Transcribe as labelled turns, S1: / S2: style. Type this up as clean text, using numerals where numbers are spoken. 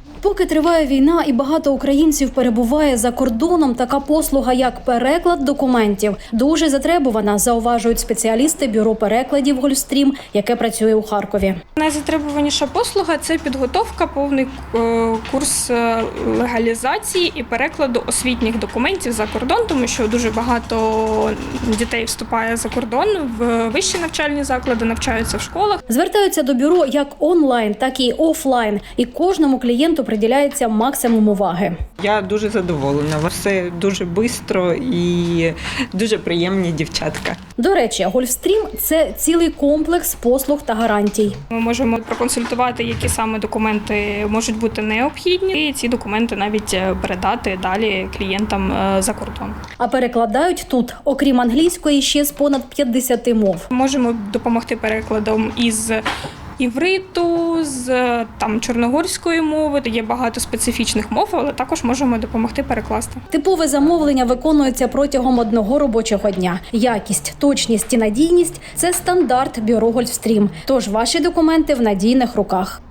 S1: Поки триває війна і багато українців перебуває за кордоном, така послуга, як переклад документів, дуже затребувана, зауважують спеціалісти бюро перекладів «Гольфстрім», яке працює у Харкові.
S2: Найзатребуваніша послуга – це підготовка, повний курс легалізації і перекладу освітніх документів за кордон, тому що дуже багато дітей вступає за кордон в вищі навчальні заклади, навчаються в школах.
S1: Звертаються до бюро як онлайн, так і офлайн, і кожному клієнту приділяється максимум уваги.
S3: Я дуже задоволена. Все дуже швидко і дуже приємні дівчатка.
S1: До речі, «Гольфстрім» – це цілий комплекс послуг та гарантій.
S2: Ми можемо проконсультувати, які саме документи можуть бути необхідні, і ці документи навіть передати далі клієнтам за кордон.
S1: А перекладають тут, окрім англійської, ще з понад 50 мов.
S2: Можемо допомогти перекладом із івриту, з чорногорської мови. Є багато специфічних мов, але також можемо допомогти перекласти.
S1: Типове замовлення виконується протягом одного робочого дня. Якість, точність і надійність – це стандарт бюро «Гольфстрім». Тож ваші документи в надійних руках.